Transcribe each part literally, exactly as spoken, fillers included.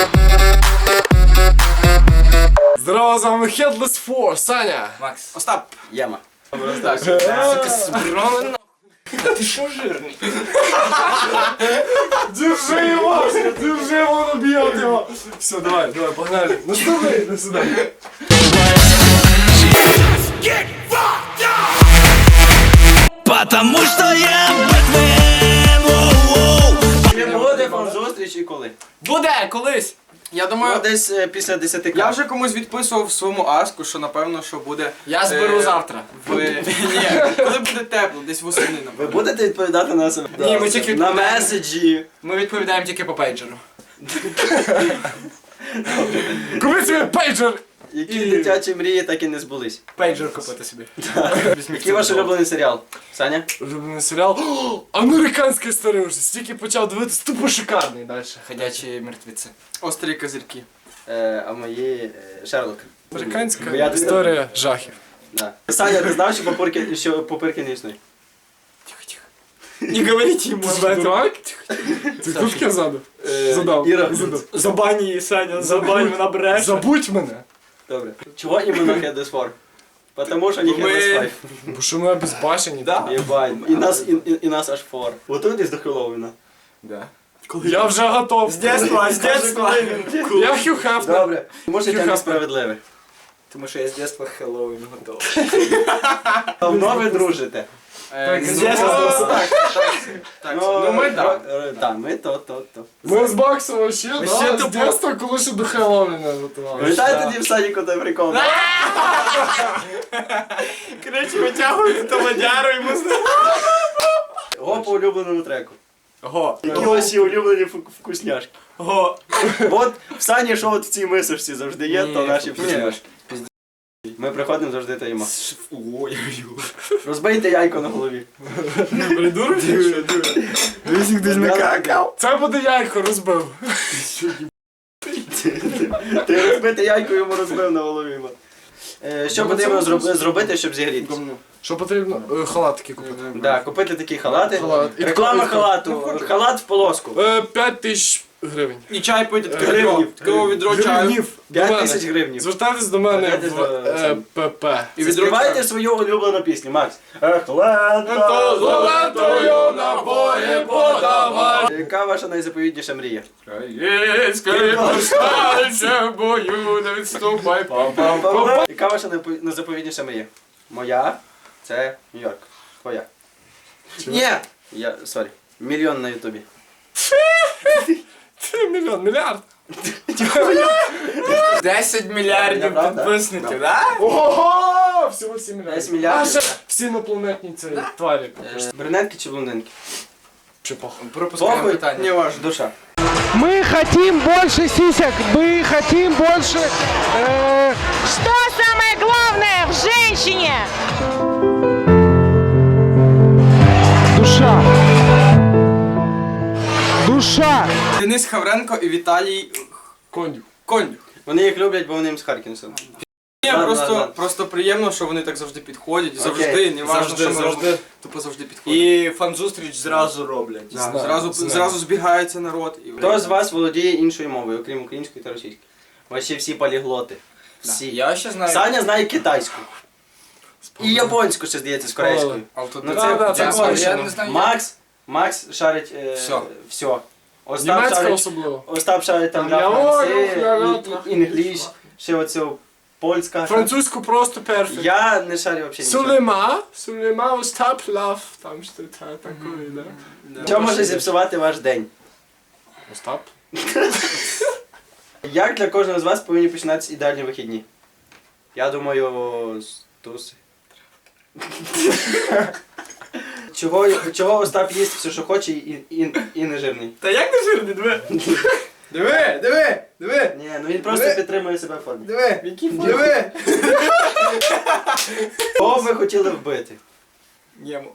Здорово, з вами Headless Four, Саня. Макс. Остап. Яма. Сука, сбрала нахуй. Ты шо жирный? Держи его, держи его, он убьет его. Все, давай, давай, погнали. Ну что вы, до свидания. Потому что я Бэтмен. Не буде вам зустріч і коли? Буде, колись. Я Ну, думаю, десь е, після десяти я вже комусь відписував в своєму аску, що напевно, що буде... Я зберу е, завтра. В... Ні, коли буде тепло, десь восени, Ви напевно. будете відповідати на себе? Ні, ми тільки на відповідаємо. меседжі. Ми відповідаємо тільки по пейджеру. Купи себе пейджер. Які І- дитячі мрії так і не збулись. Пейджер купити собі. Який ваш улюблений серіал? Саня? Улюблений серіал. О, американський старий вже. Стільки почав дивитися, тупо шикарний далі. Ходячі мертвіці. Острі козирки. Е, а мої е, Шерлок. Американська Бо я дитина. історія жахів. Да. Саня, ти знав, що попирки, що попирки не існує? Не говорите йому Ти ж дурак? Ти хто таке задав? Задав. Іра. Задав. Забань її, Саня, забань, вона бреше. Забудь мене. Добре. Чого іменно Headless Four? Потому що не Бо ми- Headless Five. Бо що ми обезбашені. Да. Єбань. І нас, і, і, і нас аж фор. Готуйтесь до Хеллоуіна. Да. Я вже готов. З детства, з детства. Я Хью Хафнер. Добре. Може Хью це Хафнер. несправедливе. Тому що я з детства Хеллоуін готовий. Давно ви дружите? Так, ну, з детства. так, так, так. Ну ми так. Так, ми то, то, то. Ми з Баксом вообще, Ще да, з тупо. дитинства, коли ще до Хеллоуіна готували. Пам'ятаєте тоді в садіку той прикол? Короче, витягують ту водяру і ми знаємо. Го по улюбленому треку. Го. Які ваші улюблені фу- вкусняшки? Го. От в Сані, що от в цій мисочці завжди є, то Ні, наші ні. вкусняшки. Ми приходимо завжди та їмо. Ой-ой-ой. Розбийте яйко на голові. Придурок? Дивись, хтось накакав. Це буде яйко розбив. Ти розбите яйко йому розбив на голові. ма. Е, Що Ну, потрібно це зроб- зробити, щоб зігрітися? Що потрібно? Е, Халат такий купити. Да, купити такі халати. Халат. І Реклама такого- халату. Халат в полоску. Е, П'ять тисяч гривень. І чай пити, таке Гривнів. відро. Такого відро чаю. Гривнів. До П'ять мене. тисяч гривнів. Звертайтесь до мене Звертайтесь в до- е, ПП. І відро Заспівайте чаю. свою улюблену пісню, Макс. Ех, лето, золотою набої подавай. Яка ваша найзаповітніша мрія? Єської повстанця в бою не відступай. Пам-пам-пам. Яка ваша найпо- найзаповітніша мрія? Моя? Це Нью-Йорк. Твоя. Ні! Я, сорі. Мільйон на ютубі. Це мільйон, мільярд. десять мільярдів Правда? підписників, да? Ого! Всього сім мільярдів. десять мільярдів. А ще всі інопланетні ці тварі. Е, Брюнетки чи блондинки? Чи похуй? Пропускаємо Похуй, питання. не ваш, душа. Мы хотим больше сисек, мы хотим больше... э, Что самое главное в женщине? душа. Душа. Денис Хавренко і Віталій Кондюк. Кондюк. Вони їх люблять, бо вони їм з Харкінсом. Ні, Ладно, просто, ладно. просто приємно, що вони так завжди підходять. Завжди, Окей. не важно, Завжди, що ми завжди. робимо. Тупо завжди підходять. І фан-зустріч зразу роблять. Да, Знаю, зразу, знаю. зразу збігається народ. І... Хто з вас володіє іншою мовою, окрім української та російської? Ваші всі поліглоти. Всі. Я ще знаю. Саня знає китайську. І японську ще здається з корейською. А тут Ну, не- це- Да, да, це це Я кончено. не знаю. Макс, Макс шарить е, Всьо. все. Остап Німецька шарить, особливо. Остап шарить там Там для я франци, говорю, я говорю. і- і- інгліш, ще оцю польська. Французьку просто перфект. Я не шарю взагалі нічого. Сулейма, Сулейма, Остап, Лав, там що це такое, да? Що може зіпсувати ваш день? Остап. Як для кожного з вас повинні починатися ідеальні вихідні? Я думаю, з туси. Чого, чого Остап їсть все, що хоче, і, і, і не жирний? Та як не жирний, диви? Диви, диви, диви, Ні, ну він просто Ви- підтримує себе в формі. диви, диви. Кого б ви хотіли вбити? Єму.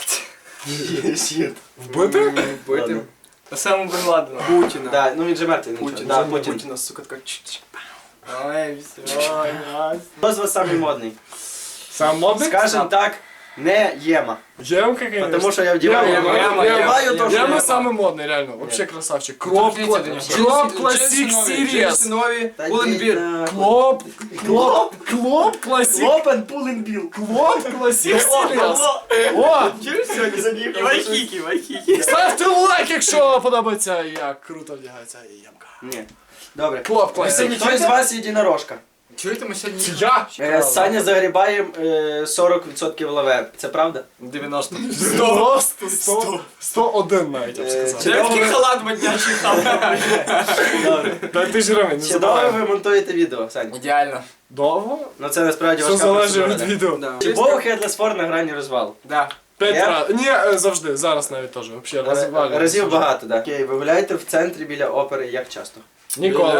Вбити? Бити. Ладно. Осаму Бен Ладена. Путіна. Да, ну він же мертвий. нічого. Путін. Да, Да, Путін. Путіна, сука, така чик-чик. Ой, все, ой, Хто з вас самий модний? Сам модник? Скажем так, Не єма. Емка, конечно. Потому що я вдіваю. Ема, Я ема, вдіваю ема. то, що Ема я самый модный, реально. Вообще красавчик. Клоп, Доторкніться клоп, до нього. клоп, Джинси классик, нові, сирес. джинси нові, Та Пуленбір. ні, Клоп, клоп, клоп, классик. Лопен пулинбіл. Клоп, классик, сирес. О, Чуєш сьогодні за ним? Вайхікі, вайхікі. ставте лайк, якщо подобається, як круто вдягається емка. Ні. Добре. Клоп, классик. Хто з вас єдинорожка? Чуєте, ми сьогодні... Я? Е, Саня загрібає е, сорок відсотків лаве. Це правда? дев'яносто. сто, сто, сто один навіть, я б Е, сказав. чи- Дев'ятки халат моднячий халат. Добре. Та ти ж ремень, не Чи довго забувай. ви монтуєте відео, Саня? Ідеально. Довго? Ну це насправді Все важка залежить від процедура. відео. Да. Чи був Headless Four на грані розвалу? Да. П'ять Я? разів. Ні, е, завжди, зараз навіть теж. Вообще, Ра- розвалюється. Разів багато, так. Окей, ви гуляєте в центрі біля опери як часто? Ніколи.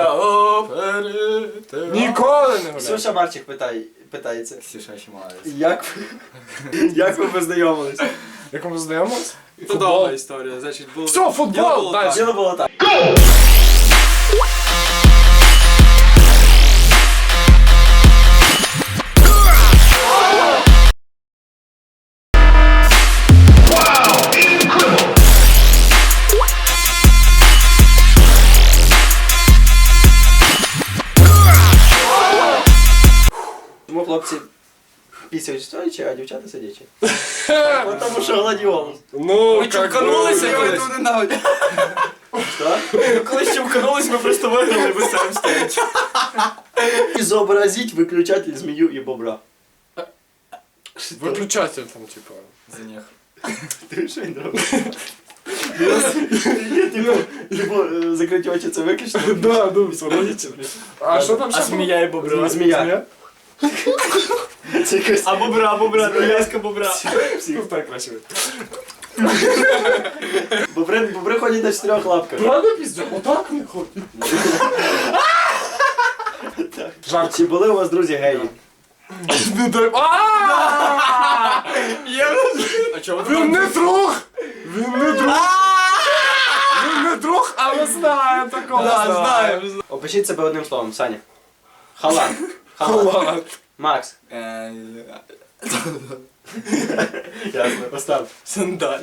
Ніколи не гуляю. Ксюша Марчик питає, питається. Ксюша ще молодець. Як ви, як ви познайомились? Як ми знайомились? Це довга історія, значить, було... Все, футбол, Діло було далі. Діло було так. Тому хлопці пісяють стоячи, а дівчата сидячи. От тому що гладіолус. Ну, Ми как чуканулися би, колись. Що? Ми колись чуканулись, ми просто виграли, ми самі стоять. Зобразіть виключатель змію і бобра. Виключатель там, типа. За них. Ти що він робить? Типу, типу, е, закриті очі це виключно. Да, ну, все, логічно. А що там ще? А змія і бобра. Змія. Це якось... А бобра, а бобра, прив'язка бобра. Ну, так краще. Бобри, бобри ходять на чотирьох лапках. Правда, піздя? Отак не ходить. Жарко. Чи були у вас друзі геї? Не дай... Ааа! А чого Він не друг! Він не друг! Він не друг, але знає такого. знаємо. Опишіть себе одним словом, Саня. Халат. Халат. Халат. Макс. Е, Ясно, постав. Сандаль.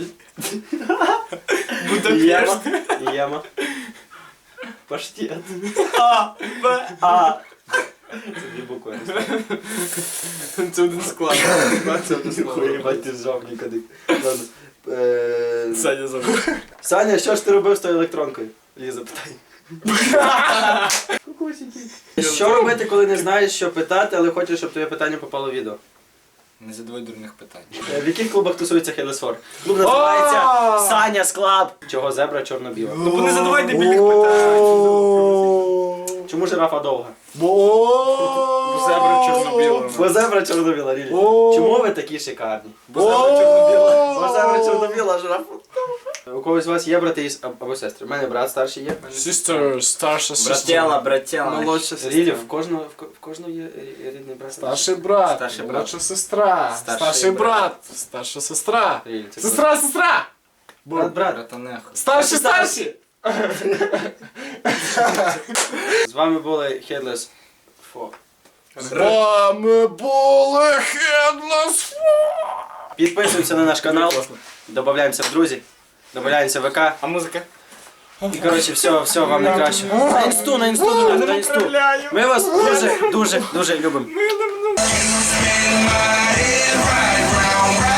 Єма. Єма. Паштет. А, Б. А. Це дві букви. Це один склад. Це один Ніхуя, склад. їбать, ти зжав ніколи. Ладно. Е, Саня забув. Саня, що ж ти робив з тою електронкою? Ліза питає. Що робити, коли не знаєш, що питати, але хочеш, щоб твоє питання попало в відео? Не задавай дурних питань. Е, В яких клубах тусується Headless Four? Клуб називається Саня's Club. Чого зебра чорно-біла? Ну не задавай дебільних питань. Чому жирафа довга? Бо зебра чорно-біла. Бо зебра чорно-біла, Рілі. О. Чому ви такі шикарні? Бо зебра чорно-біла. Бо зебра чорно-біла, а жирафа. У когось з вас є брати із- або сестри? У мене брат старший є. Sister, старша Братела, сестра. братела. Молодша Рілі, сестра. в кожного, в ко- в кожного є рі- рідний брат. Старший брат, Старший брат. молодша сестра, Старший старший брат. брат, старша сестра. Рілі, це Сестра, сестра! брат, брат. Братанеху. Старші, старші! З вами були Headless Four. З вами були Headless Підписуємося на наш канал, додаємося в друзі, додаємося в ВК. А музика? І коротше, все, все, вам найкраще. На інсту, на інсту, друзі, на інсту. Ми вас дуже, дуже, дуже любимо. Right round, round.